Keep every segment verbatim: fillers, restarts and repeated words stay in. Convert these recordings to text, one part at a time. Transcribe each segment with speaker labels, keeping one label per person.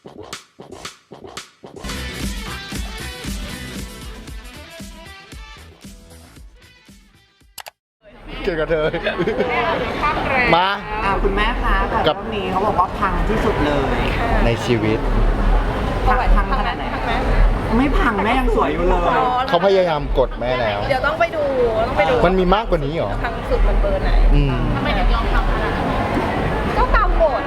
Speaker 1: เกี่ยวกับเธอมา
Speaker 2: คุณแม่คะแต่เรื่องนี้เขาบอกว่าพังที่สุดเลย
Speaker 1: ในชีวิต
Speaker 2: พังพังขนาดไหนไม่พังแม่ยังสวยอยู่เลย
Speaker 1: เขาพยายามกดแม่แล้ว
Speaker 3: เดี๋ยวต้องไปดูต้องไปดู
Speaker 1: มันมีมากกว่านี้เหรอ
Speaker 3: พังสุดมันเบอร์ไหนทำไมถึงยอมทำขนาดนั้นก็ตามบท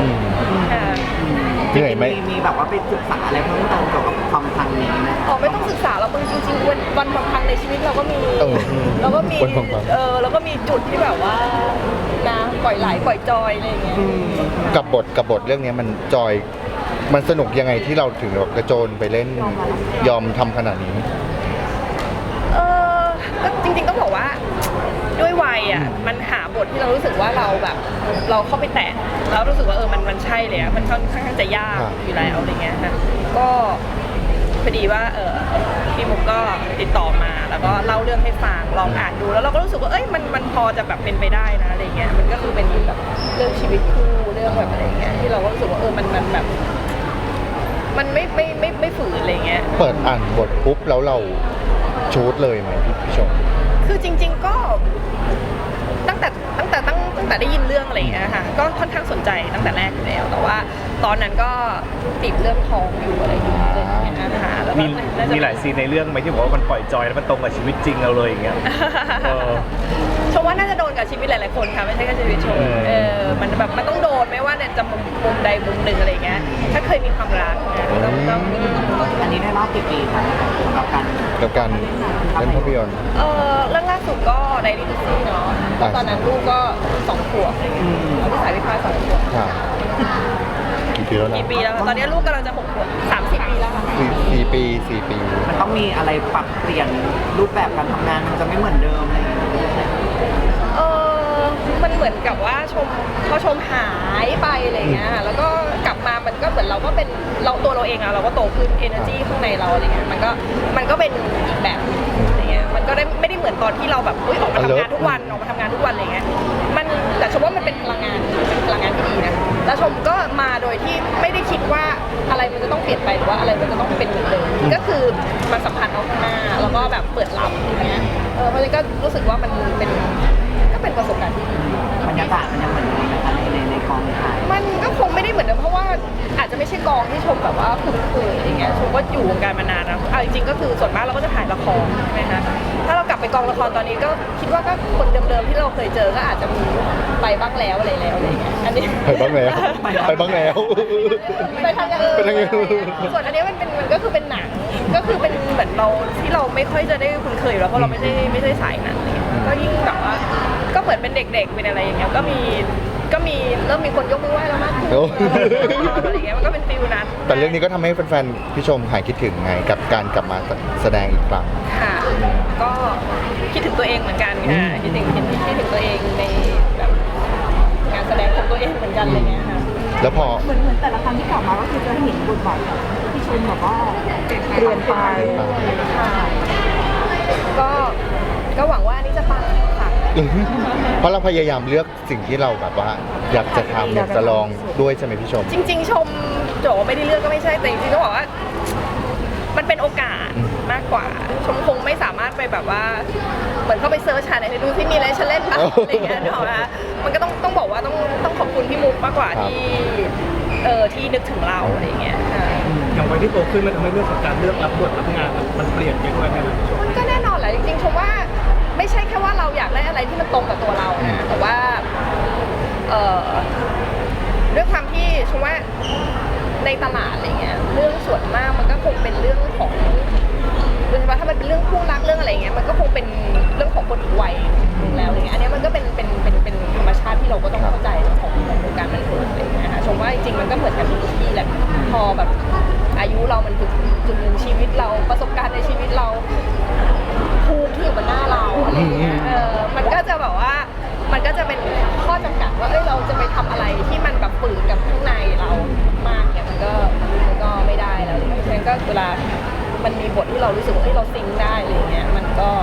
Speaker 1: เหนื่อยไหม
Speaker 2: มีแบบว่าไปศึกษาอะไรเพิ่มเติมเกี่ยวกับความพังนี้นะ
Speaker 3: อ๋อไม่ต้องศึกษาเราจริงๆวันวันพังในชีวิตเราก็มีเราก็มีเออเราก็มีจุดที่แบบว่านะปล่อยไหลปล่อยจอยอะไรอย่างเงี้ย
Speaker 1: กับบทกับบทเรื่องนี้มันจอยมันสนุกยังไงที่เราถึงแบบกระโจนไปเล่นยอมทำขนาดนี้
Speaker 3: เออก็จริงๆต้องบอกว่าด้วยวัยอ่ะมันหาบทที่เรารู้สึกว่าเราแบบเราเข้าไปแตะแล้วรู้สึกว่าเออมันมันใช่เลยอ่ะมันค่อนข้างจะยากอยู่แล้วอะไรเงี้ยนะก็พอดีว่าเออพี่มุกก็ติดต่อมาแล้วก็เล่าเรื่องให้ฟังลองอ่านดูแล้วเราก็รู้สึกว่าเอ้ยมันมันพอจะแบบเป็นไปได้นะอะไรเงี้ยมันก็คือเป็นแบบเรื่องชีวิตคู่เรื่องแบบอะไรเงี้ยที่เราก็รู้สึกว่าเออมันมันแบบมันไม่ไม่ไม่ไม่ฝืนอะไรเงี้ย
Speaker 1: เปิดอ่านบทปุ๊บแล้วเราชูดเลยไหมพี่ชม
Speaker 3: คือจริงๆก็ตั้งแต่ตั้งแต่ตั้งตั้งแต่ได้ยินเรื่องอะไรอย่างเงี้ยค่ะก็ค่อนข้างสนใจตั้งแต่แรกอยู่แล้วแต่ว่าตอนนั้นก็ติดเรื่องท้องอยู่อะไรอยู่อะไรอย่างเงี้ยนะคะแล้ว
Speaker 4: มีมีหลายซีนในเรื่องไหมที่บอกว่ามันปล่อยจอยแล้วมันตรงกับชีวิตจริงเราเลยอย่างเงี้ย
Speaker 3: ชมว่าน่าจะโดนกับชีวิตหลายๆคนค่ะไม่ใช่แค่ชีวิตชมเออมันแบบมันต้องโดนไม่ว่าเนี่ยจะมุมมุมใดมุมหนึ่งอะไรเงี้ยถ้าเคยมีความรักต้องต้อง
Speaker 2: อันนี้ได้รอบกี่ปีคะกับการ
Speaker 1: กับการเล่นภาพยนตร์
Speaker 3: เออเรื่องล่าสุดก็ไดรี่ดิซี่เนาะตอนนั้นลูกก็สองขวบลูกสายวิพากษ์สองขวบ
Speaker 1: กี่ปีแล้วนะ
Speaker 3: กี่ปีแล้วตอนนี้ลูกกำลังจะหกขวบสามสิบปีแล้วค่ะ
Speaker 1: สี่ปีสี่ปี
Speaker 2: มันต้องมีอะไรปรับเปลี่ยนรูปแบบการทำงานมันจะไม่เหมือนเดิมอะไร
Speaker 3: เออมันเหมือนกับว่าชมพอชมหายไปอะไรเงี้ยแล้วก็กลับมามันก็เหมือนเราก็เป็นเราตัวเราเองอะเราก็โตขึ้น energy ข้างในเราอะไรเงี้ยมันก็มันก็เป็นอีกแบบอะไรเงี้ยมันก็ได้ไม่ได้เหมือนตอนที่เราแบบอุ้ยออกมาทำงานทุกวันออกมาทำงานทุกวันอะไรเงี้ยมันแต่ชมว่ามันเป็นพลังงานเป็นพลังงานที่ดีนะแล้วชมก็มาโดยที่ไม่ได้คิดว่าอะไรมันจะต้องเปลี่ยนไปหรือว่าอะไรมันจะต้องเป็นเหมือนเดิมก็คือมันสัมพันธ์เอาข้างหน้าแล้วก็แบบเปิดรับอย่างเงี้ยเออเพราะฉะนั้นก็รู้สึกว่ามันเป็นก็เป็นประสบการณ์ที่ดี
Speaker 2: บรรยากาศมันยังเหมือนเดิมไหมคะในในในกองถ่าย
Speaker 3: มันก็คงไม่ได้เหมือนเดิมเพราะว่าอาจจะไม่ใช่กองที่ชมแบบว่าคุ้นเคยอย่างเงี้ยชมก็อยู่วงการมานานนะเอาจริงๆก็คือส่วนมากเราก็จะถ่ายละครใช่ไหมคะถ้าเรากลับไปกองละครตอนนี้ก็คิดว่าก็คนเดิมๆที่เราเคยเจอก็อาจจะมีไปบ้างแล้วอะไรแล้วอะไรเงี้ยอันนี้
Speaker 1: ไปบ้างแล้วไปบ้างแล้ว
Speaker 3: ไปทางอย่างอื่นส่วนอันนี้มันเป็นมันก็คือเป็นหนังก็คือเป็นเหมือนเราที่เราไม่ค่อยจะได้คุ้นเคยแล้วเพราะเราไม่ใช่ไม่ใช่สายหนังอะไรเงี้ยก็ยิ่งแบบว่าก็เหมือนเป็นเด็กๆเป็นอะไรอย่างเงี้ยก็มีก็มีเริ่มมีคนยกมือไหว้แล้วมากขึ้นอะไรอย่างเงี้ยมันก็เป็นฟิลนั้น
Speaker 1: แต่เรื่องนี้ก็ทำให้แฟนๆพี่ชมหายคิดถึงไงกับการกลับมาแสดงอีกครั้ง
Speaker 3: ค่ะก็คิดถึงตัวเองเหมือนกันค่ะคิดถึงคิดคิดถึงตัวเองในแบบงานแสดงของตัวเองเหมือนกันอะไรเงี้ยค่ะ
Speaker 1: แล้วพอ
Speaker 3: เหมือนเหมือนแต่ละครั้งที่กลับมาก็คือจะเห็นบทบาทพี่ชมแบบว่าเปลี่ยนไปค่ะก็ก็หวังว่านี่จะปังค่ะ
Speaker 1: เพราะเราพยายามเลือกสิ่งที่เราแบบว่าอยากจะทำอยากจะลองด้วยใช่ไหมพี่ชม
Speaker 3: จริงๆชมโจไม่ได้เลือกก็ไม่ใช่แต่จริงๆต้องบอกว่ามันเป็นโอกาสมากกว่าชมคงไม่สามารถไปแบบว่าเหมือนเข้าไปเซิร์ชหาในดูที่มีอะไรฉันเล่นบ้างอะไรเงี้ยเนาะมันก็ต้องต้องบอกว่าต้องต้องขอบคุณพี่มุกมากกว่าที่เออที่นึกถึงเราอะไรเงี้ย
Speaker 4: อย่างวัยที่โตขึ้นมันทำให้เรื่องของการเลือกรับบทรับงานมันเปลี่ยนไปด้วยไหมครับ
Speaker 3: มันก็แน่นอนแหละจริงๆชมว่าไม่ใช่แค่ว่าเราอยากได้อะไรที่มันตรงกับตัวเรานะแต่ว่าเอ่อด้วยความที่ชมว่าในตลาดอะไรเงี้ยเรื่องส่วนมากมันก็คงเป็นเรื่องของโดยเฉพาะถ้ามันเป็นเรื่องคู่รักเรื่องอะไรเงี้ยมันก็คงเป็นเรื่องของคนอีกวัยนึงแล้วอะไรเงี้ยอันนี้มันก็เป็นเป็นเป็นเป็นธรรมชาติที่เราก็ต้องเข้าใจของของวงการบันเทิงอะไรเงี้ยค่ะชมว่าจริงๆมันก็เหมือนกันทุกที่แหละพอแบบอายุเรามันถึงจุดหนึ่งชีวิตเราประสบการณ์ในชีวิตเราภูมิที่อยู่บนหน้าเราอะไรเงี้ยเออมันก็จะแบบว่ามันก็จะเป็นข้อจำกัดว่าเอ้ยเราจะไปทำอะไรที่มันแบบฝืนกับข้างในเรามากเนี่ยมันก็มันก็ไม่ได้แล้วเพราะฉะนั้นก็เวลามันมีบทที่เรารู้สึกว่าเอ้ยเราซิงได้อะไรเงี้ยมันก็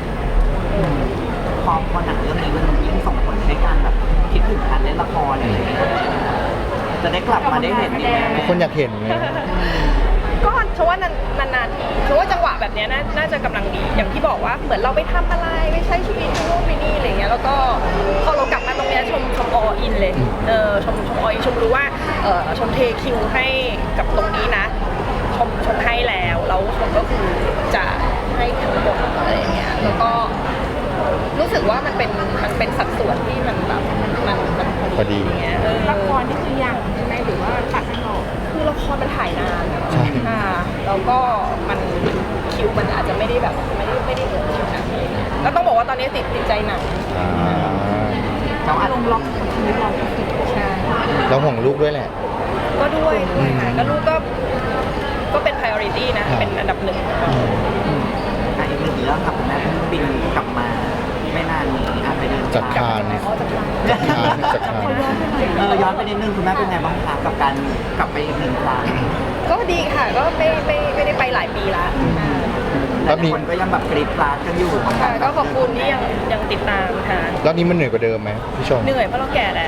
Speaker 2: พอพอหนังเรื่องนี้มันยิ่งส่งผลในการแบบคิดถึงการเล่นละครอะไรอย่างเงี้ยจะได้กลับมาได้เห็นอีกไหม
Speaker 1: ทุกคนอยากเห็นไง
Speaker 3: ก็ฉันว่านานๆฉันว่าจังหวะแบบเนี้ยน่าน่าจะกำลังดี อย่างที่บอกว่าเหมือนเราไปทำอะไรไปใช้ชีวิตที่นู่นไปนี่อะไรเงี้ยแล้วก็พอเรากลับมาตรงเนี้ยชมชมออินเลยเออชมชมออินชมรู้ว่าเออชมเทคิวให้กับตรงนี้นะชมชมให้แล้วแล้วชมก็คือจะให้ทั้งหมดอะไรเงี้ยแล้วก็รู้สึกว่ามันเป็นมันเป็นสัดส่วนที่มันแบบมันมัน
Speaker 1: พอดี
Speaker 3: อย่างเงี้ยเออ
Speaker 5: ละครนี่คือยังใช่ไหมหรือว่าตัดข้างนอก
Speaker 3: คือละครมันถ่ายนาน
Speaker 1: ใช่
Speaker 3: อ่าแล้วก็มันคิวมันอาจจะไม่ได้แบบไม่ได้ไม่ได้เกิดขนาดนี้แล้วต้องบอกว่าตอนนี้ติดติดใจหนัง
Speaker 1: อ่า
Speaker 2: เขาอาจ
Speaker 5: ลงล็อกกับชีวิตเราก็คือ
Speaker 3: ใช่
Speaker 1: เราห่วงลูกด้วยแหละ
Speaker 3: ก็ด้วยด้วยค่ะก็ลูกก็ก็เป็น priority นะ เป็นอันดับหนึ่ง
Speaker 2: อ่ะอีกหนึ่งเรื่องค่ะคุณแม่เพิ่งบินกลับมาไม่นานนี้อ่ะไปเดิน
Speaker 1: จัดการ
Speaker 3: อ๋อจะทำ
Speaker 1: จัดการจัดการ
Speaker 2: เออย้อนไปนิดนึงคุณแม่เป็นไงบ้างคะกับการกลับไปอีกหนึ่งครั้ง
Speaker 3: ก็ดีค่ะก็ไม่ไม่ไม่ได้ไปหลายปีละอ่า
Speaker 1: แล้
Speaker 2: แต่
Speaker 1: วมี
Speaker 2: คนก็ยังแบบกรี๊ดกราดกันอยู่
Speaker 3: ค่ะก็ขอบคุณที่ยังยังติดตามค่ะ
Speaker 1: รอบนี้มันเหนื่อยกว่าเดิมไหมพี่ชม
Speaker 3: เหนื่อยเพราะเราแก่แล้ว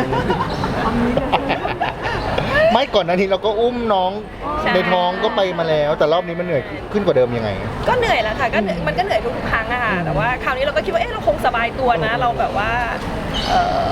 Speaker 1: ไม่ก่อนหน้านี้เราก็อุ้มน้อง
Speaker 3: ใช่
Speaker 1: ในท้องก็ไปมาแล้ว แต่รอบนี้มันเหนื่อยขึ้นกว่าเดิมยังไง
Speaker 3: ก็เหนื่อยแหละค่ะก็เหนื่อยมันก็เหนื่อยทุกครั้งอะค่ะแต่ว่าคราวนี้เราก็คิดว่าเอ๊ะเราคงสบายตัวนะ เราแบบว่าเออ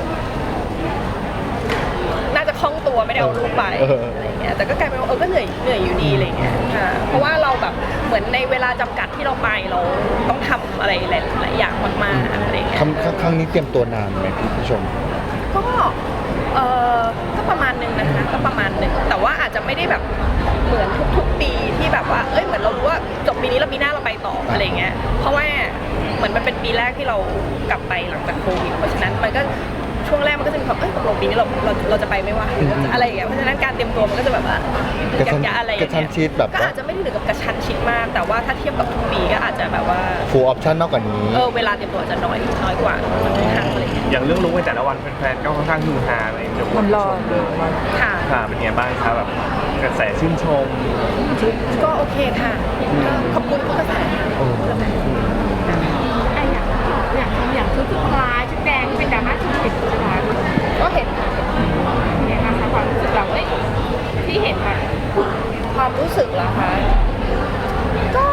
Speaker 3: น่าจะคล่องตัวไม่ได้เอาลูกไป
Speaker 1: เออ
Speaker 3: อะไรเงี้ยแต่ก็กลายเป็นว่าเออก็เหนื่อยเหนื่อยอยู่ดีอะไรเงี้ยค่ะเพราะว่าเราแบบเหมือนในเวลาจำกัดที่เราไปเราต้องทำอะไรหลายๆอย่างมากๆอะไรเงี้ย
Speaker 1: ครั้งครั้งครั้งนี้เตรียมตัวนานไหมพี่ผู้ชม
Speaker 3: ก็เออก็ประมาณหนึงนะคะก็ประมาณหนึ่งแต่ว่าอาจจะไม่ได้แบบเหมือนทุกๆปีที่แบบว่าเอ้ยเหมือนเรารู้ว่าจบปีนี้แล้วปีหน้าเราไปต่ออะไรเงี้ยเพราะว่าเหมือนมันเป็นปีแรกที่เรากลับไปหลังจากโควิดเพราะฉะนั้นมันก็ช่วงแรกมันก็จะมีความเอ้ยตกลงปีนี้เราเราเราจะไปไหม่ว่าอะไรอย่างเงี้ยเพราะฉะนั้นการเตรียมตัวมันก็จะแบบว่าก
Speaker 1: ระชั้น
Speaker 3: ยะๆอะไรอย่าง
Speaker 1: กระชั้
Speaker 3: เงี้
Speaker 1: น
Speaker 3: ย
Speaker 1: ชิดแบบ
Speaker 3: ก็อาจจะไม่ได้ถึงกับกระชั้นชิดมาก แต่ว่าถ้าเทียบกับทุกปีก็อาจจะแบบว่า
Speaker 1: ฟูลออปชั่นมากกว่านี้
Speaker 3: เออเวลาเตรียมตัวอาจจะน้อยน้อยกว่าทุกครั้งอะไรเงี้ย
Speaker 4: อย่างเรื่องลุกในแต่ละวันแฟนๆก็ค่อนข้างฮือฮาอะไรอย่างเงี้ย
Speaker 5: มันรอ
Speaker 4: เลย
Speaker 3: ค่ะ
Speaker 4: ค่ะเป็นไงบ้างครับแบบกระแสชื่นชม
Speaker 3: ก็โอเคค่ะก็ขอบคุณทุกกระแส
Speaker 1: โอ้
Speaker 5: ไอ้อย่างอย่างอย่างชุดสุดท้ายชุดแดงที่เป็นดราม่าชุดผิดใช่ไหม
Speaker 3: ก็เห็นค่ะ
Speaker 5: เนี่ยนะคะความรู้สึกเราเอ้ยที่เห็นค่ะ
Speaker 3: ความรู้สึกเหรอคะก็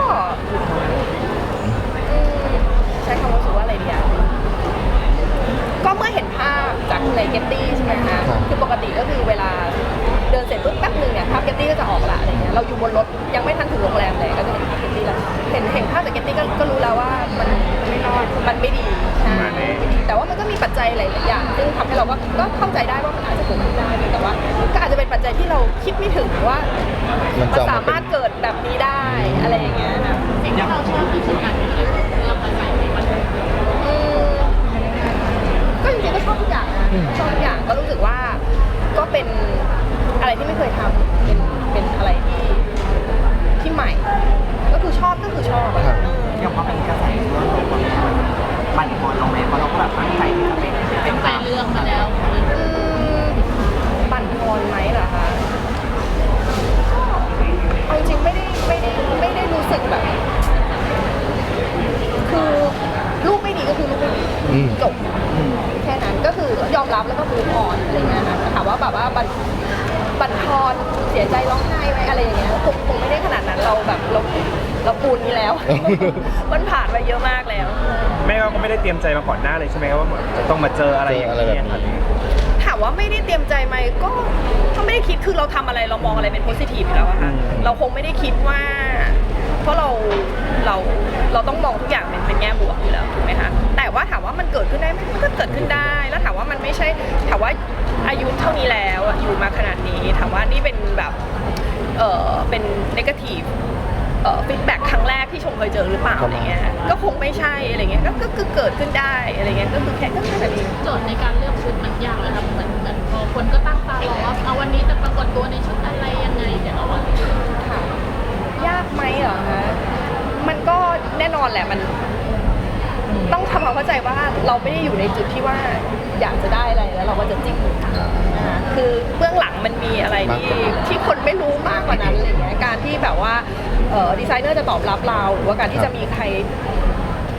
Speaker 3: อืมใช้คำรู้สึกว่าอะไรดีอะก็เมื่อเห็นภาพจากในเกตตี้ใช่ไหมคะคือปกติก็คือเวลาเดินเสร็จปุ๊บแป๊บนึงเนี่ยภาพเกตตี้ก็จะออกละอะไรเงี้ยเราอยู่บนรถยังไม่ทันถึงโรงแรมเลยก็จะเห็นภาพเกตตี้แล้วเห็นเห็นภาพจากเกตตี้ก็ก็รู้แล้วว่ามันไม่รอดมันไม่ดีใช่มันไม่ดีแต่ว่ามันก็มีปัจจัยหลายๆอย่างซึ่งทำให้เราก็ก็เข้าใจได้ว่ามันอาจจะเกิดขึ้นได้แต่ว่าก็อาจจะเป็นปัจจัยที่เราคิดไม่ถึงว่า
Speaker 1: มัน
Speaker 3: มัน
Speaker 1: จะออก
Speaker 3: สา
Speaker 1: มาเป็
Speaker 3: มารถ
Speaker 1: น
Speaker 3: เกิดแบบนี้ได้อะไรอย่างเงี้ยนะ
Speaker 5: สิ่งที่เราชอบที่สุดอันนี้คือเรื่องอะไรในมัน
Speaker 3: อืมก็จริงๆก็ชอบทุกอย่างนะชอบทุกอย่างก็รู้สึกว่าก็เป็นอะไรที่ไม่เคยทำเป็นเป็นอะไรที่ที่ใหม่ ก็คือชอบก็คือชอบอะ
Speaker 1: ครับ
Speaker 3: เออ
Speaker 2: อย่างพอเป็นกระแสทั่วโลกมันบั่นทอนลงไหมเพราะเราก็แบบตั้งใจที่จะเป็นเป็น
Speaker 5: ไป
Speaker 2: ตาม
Speaker 5: เรื่องมาแล้ว
Speaker 3: อืมบั่นทอนไหมเหรอคะก็เอาจริงๆไม่ได้ไม่ได้ไม่ได้รู้สึกแบบ คือลูกไม่ดีก็คือลูกไม่ดี
Speaker 1: อืม
Speaker 3: จบแค่นั้นก็คือยอมรับแล้วก็มูฟออนอะไรเงี้ยค่ะถามว่าแบบว่าบันบันทอนเสียใจร้องไห้ไหมอะไรอย่างเงี้ยคงคงไม่ได้ขนาดนั้นเราแบบเราเราปูนนี้แล้ว มันผ่านมาเยอะมากแล้ว
Speaker 4: แม่ก็ไม่ได้เตรียมใจมาก่อนหน้าเลยใช่ไหมว่าจะต้องมาเจออะไรอย่าง
Speaker 1: เจออะไรแบบ
Speaker 4: เงี้ย
Speaker 1: นี้
Speaker 3: ถามว่าไม่ได้เตรียมใจไหมก็ก็ไม่ได้คิดคือเราทำอะไรเรามองอะไรเป็นโพสิทีฟอยู่แล้วอะค่ะเราคงไม่ได้คิดว่า เพราะเราเราเราต้องมองทุกอย่างเป็นเป็นแง่บวกอยู่แล้วถูกไหมคะแต่ว่าถามว่ามันเกิดขึ้นได้ไหมมันก็เกิดขึ้นได้ แล้วถามว่ามันไม่ใช่ถามว่าอายุเท่านี้แล้วอะอยู่มาขนาดนี้ถามว่านี่เป็นแบบเออเป็นนกาทีฟเอ่อฟีดแบ็กครั้งแรกที่ชมเคยเจอหรือเปล่าอะไรเงี้ยก็คงไม่ใช่อะไรเงี้ยก็ก็คือเกิดขึ้นได้อะไรเงี้ยก็คือแค่ก็แค่แบบนี้
Speaker 5: โจทย์ในการเลือกชุดมันยากเลยครับเหมือนเหมือนพอคนก็ตั้งตารอว่าเอาวันนี้จะปรากฏตัวในชุดอะไรยังไงเดี๋ยวเอาวัน
Speaker 3: ค่ะยากไหมเหรอคะมันก็แน่นอนแหละมันต้องทำความเข้าใจว่าเราไม่ได้อยู่ในจุดที่ว่าอยากจะได้อะไรแล้วเราก็จะจิ้มนะคะคือเบื้องหลังมันมีอะไรที่ที่คนไม่รู้มากกว่านั้นอะไรเงี้ยการที่แบบว่าเอ่อดีไซเนอร์จะตอบรับเราหรือว่าการที่จะมีใคร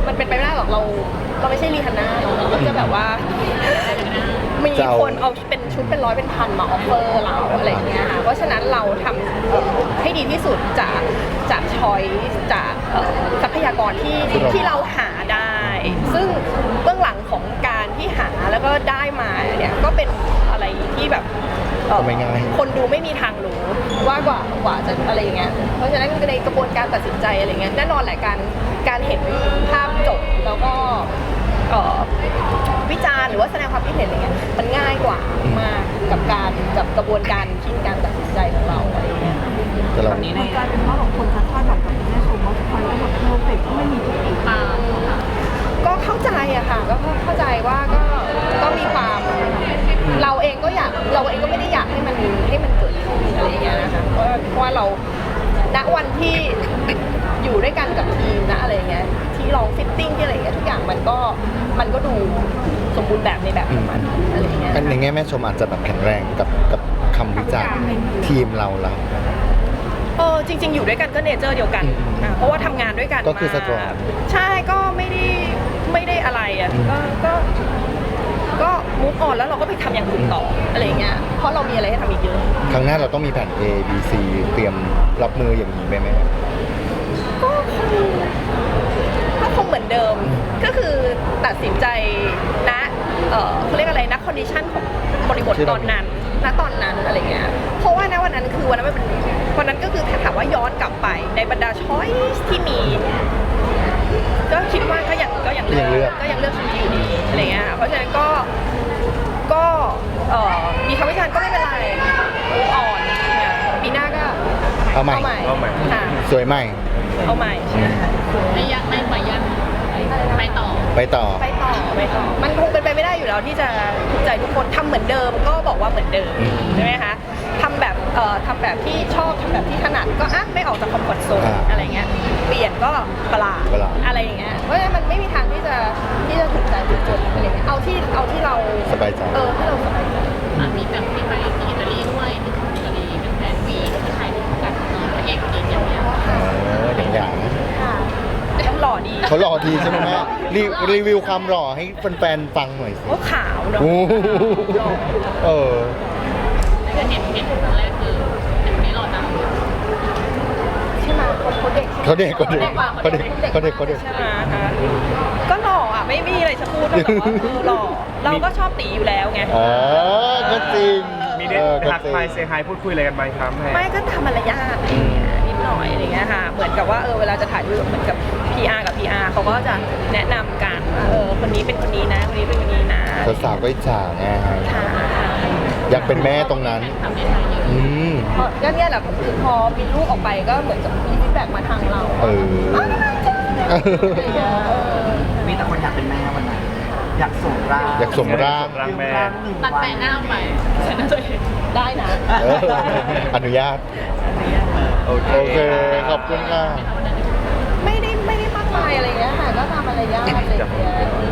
Speaker 3: มันเป็นไปไม่ได้หรอกเราเราไม่ใช่รีฮันน่าเนอะเราก็จะแบบว่า มีคนเอาเป็นชุดเป็นร้อยเป็นพันมาออฟเฟอร์เราอะไรอย่างเงี้ยค่ะเพราะฉะนั้นเราทำเอ่อให้ดีที่สุดจากจากช้อยจากเอ่อทรัพยากรที่ที่เราหาได้ ซึ่งเบื้องหลังของการที่หาแล้วก็ได้มาเนี่ยก็เป็นอะไรที่แบบเอ่อ
Speaker 1: ก็ไม่ง่าย
Speaker 3: คนดูไม่มีทางรู้ว่ากว่ากว่าจะอะไรอย่างเงี้ยเพราะฉะนั้นในกระบวนการตัดสินใจอะไรเงี้ยแน่นอนแหละการการเห็นภาพจบแล้วก็เอ่อวิจารณ์หรือว่าแสดงความคิดเห็นอะไรเงี้ยมันง่ายกว่ามากกับการกับกระบวนการที่การตัดสินใจของเราอะไรเงี้ย
Speaker 1: แต่เรา
Speaker 2: ตอนนี้ใน
Speaker 6: กลายเป็นว่าแบบคนจะคาดหวังกับคุณแม่ชมว่าคอยก็แบบเพอร์เฟกต์ก็ไม่มีจุดติ
Speaker 5: ตามค่ะ
Speaker 3: ก็เข้าใจอะค่ะก็เข้าใจว่าก็ก็มีความเราเองก็อยากเราเองก็ไม่ได้อยากให้มันให้มันเกิดขึ้นอะไรอย่างเงี้ยนะคะเพราะเพราะว่าเราณวันที่อยู่ด้วยกันกับทีมนะอะไรอย่างเงี้ยที่ลองฟิตติ้งที่อะไรอย่างเงี้ยทุกอย่างมันก็มันก็ดูสมบูรณ์แบบในแบบของมันอะไรอย่างเงี้ย
Speaker 1: อันในแง่แม่ชมอาจจะแบบแข็งแรงกับกับคำวิจารณ์ทีมเราแล้ว
Speaker 3: เออจริง ๆ อยู่ด้วยกันก็เนเจอร์เดียวกันอ่ะเพราะว่าทำงานด้วยกัน
Speaker 1: ก็คือ
Speaker 3: มา
Speaker 1: strong
Speaker 3: ใช่ก็ไม่ได้ไม่ได้อะไรอ่ะ
Speaker 1: อืม
Speaker 3: ก็ก็ก็มูฟออนแล้วเราก็ไปทำอย่างอื่นต่ออะไรอย่างเงี้ยเพราะเรามีอะไรให้ทำอีกเยอะ
Speaker 1: ครั้งหน้าเราต้องมีแผน A B C เตรียมรับมืออย่างนี้ไหมแม่
Speaker 3: ก็คงก็คงเหมือนเดิม ก็คือตัดสินใจณเอ่อเขาเรียกอะไรนะคอนดิชันของบริบท
Speaker 1: ที่
Speaker 3: ต
Speaker 1: เรา
Speaker 3: อนนั้นณตอนนั้นอะไรเงี้ยเพราะว่าณวันนั้นคือวันนั้นมันเป็นวันนั้นก็คือถ้าถามว่าย้อนกลับไปในบรรดาช้อยส์ที่มี ก็คิดว่าก็ยังก็ยังเลื
Speaker 1: ยังเลื
Speaker 3: อ
Speaker 1: อก ก
Speaker 3: ก็ยังเลือกชุดนี้อยู่ดีอะไรเงี้ยเพราะฉะนั้นก็ก็เอ่อมีคำวิจารณ์ก็ไม่เป็นไรมูฟออนเนี่ยปีหน้าก็
Speaker 1: เอาใหม่
Speaker 3: เอาใหม่ค่ะ
Speaker 1: สวยใหม่
Speaker 3: เอาใหม่ใช่ค่ะ
Speaker 5: ไม่ยักไม่ปล่อยยันไปต่อ
Speaker 1: ไปต่อ
Speaker 3: ไปต่อไปต่อ มันคงเป็นไปไม่ได้อยู่แล้วที่จะถูกใจทุกคนทำเหมือนเดิมก็บอกว่าเหมือนเดิม
Speaker 1: อืม
Speaker 3: ใช่ไหมคะทำแบบเอ่อทำแบบที่ชอบทำแบบที่ถนัดก็อ่ะไม่ออกจากคอมฟอร์ทโซน
Speaker 1: อ่า
Speaker 3: อะไรเงี้ยเปลี่ยนก็ประหลาด
Speaker 1: ประหลาด
Speaker 3: อะไรอย่างเงี้ยเพราะฉะนั้นมันไม่มีทางที่จะที่จะถูกใจทุกคนอะไรเงี้ยเอาที่เอาที่เรา
Speaker 1: สบายใจ
Speaker 3: เออที่เราสบายใจ
Speaker 5: อ่ะมีแบบที่ไปที่อิตาลีด้วยที่อิตาลีเป็นแฟนวีที่ถ่ายรูปกับเอ่อพระเอกคนนี้อย่างเงี้ย
Speaker 1: เอออย่างอย่าง
Speaker 3: ค่ะแล้วหล่อดี
Speaker 1: เขาหล่อดีใช่ไหมแม่รีรีวิวความหล่อให้แฟนๆฟังหน่อยสิ
Speaker 3: โอ้ขาวเนาะ
Speaker 1: โอ้โห
Speaker 3: หล่อ
Speaker 1: เออ
Speaker 5: คือเห็นเห็นครั้งแรกคือเห็นคนนี้หล่อจัง
Speaker 3: ใช่ไหมคนเขาเด็กใช่ไหม
Speaker 1: เขาเด็กเขาเด็กเขาเด็กเขาเด็กเขาเด็ก
Speaker 3: ใช่ไหมคะก็หล่ออ่ะไม่มีอะไรจะพูดนอกจากว่าเออหล่อเราก็ชอบตีอยู่แล้วไง
Speaker 1: อ๋อก็จริง
Speaker 7: มีได้
Speaker 1: เออ
Speaker 7: ทักทายเซฮายพูดคุยอะไรกันไหมครับแม่
Speaker 3: ไม่ก็ทำมารยาทอะไรอย่างเงี้ยนิดหน่อยอะไรอย่างเงี้ยค่ะ เหมือนกับว่าเออเวลาจะถ่ายรูปเหมือนกับ พี อาร์ กับ พี อาร์ เขาก็จะแนะนำกันว่าเออคนนี้เป็นคนนี้นะคนนี้เป็นคนนี้นะ
Speaker 1: สาวๆก็อิจฉาไง
Speaker 3: ค่ะ
Speaker 1: อยากเป็นแม่ตรงนั้น
Speaker 5: ทำในไทยเยอะ
Speaker 1: อืม
Speaker 3: เพราะก็เนี่ยแหละคือพอมีลูกออกไปก็เหมือนกับมีฟีดแบ็กมาทางเรา
Speaker 1: เออ
Speaker 3: อะไรอย่างเงี้ยเออ
Speaker 2: มีแต่คนอยากเป็นแม่วันนั้นอยากส่งร่าง
Speaker 1: อยากส่งร่าง
Speaker 7: ร่างแม่
Speaker 2: หนึ่ง
Speaker 5: ตัด
Speaker 2: วั
Speaker 5: แปะหน้าไปใส่หน้าตัวเอง
Speaker 3: ได้นะ
Speaker 1: เอออนุญาต โอเค ขอบคุณค่ะ
Speaker 3: ไม่ได้ไม่ได้มากมายอะไรอย่างเงี้ยค่ะก็ทำมารยาทอะไรอย่างเงี้ย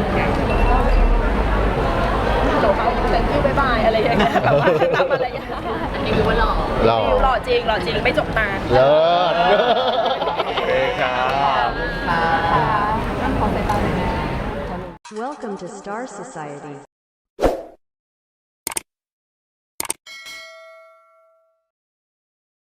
Speaker 3: ฮัลโหลเขาแต่งคิวบายบายอะไรอย่างเงี้ยแบบว่าตามมารยาท
Speaker 5: อันนี้คือว่าหล่อ
Speaker 1: หล่อ
Speaker 3: หล่อจริงหล่อจริงไม่จกตา
Speaker 1: เลิศ
Speaker 7: โอเคครับ
Speaker 6: ขอสายตาหน่อยนะ
Speaker 8: Welcome to Star Society.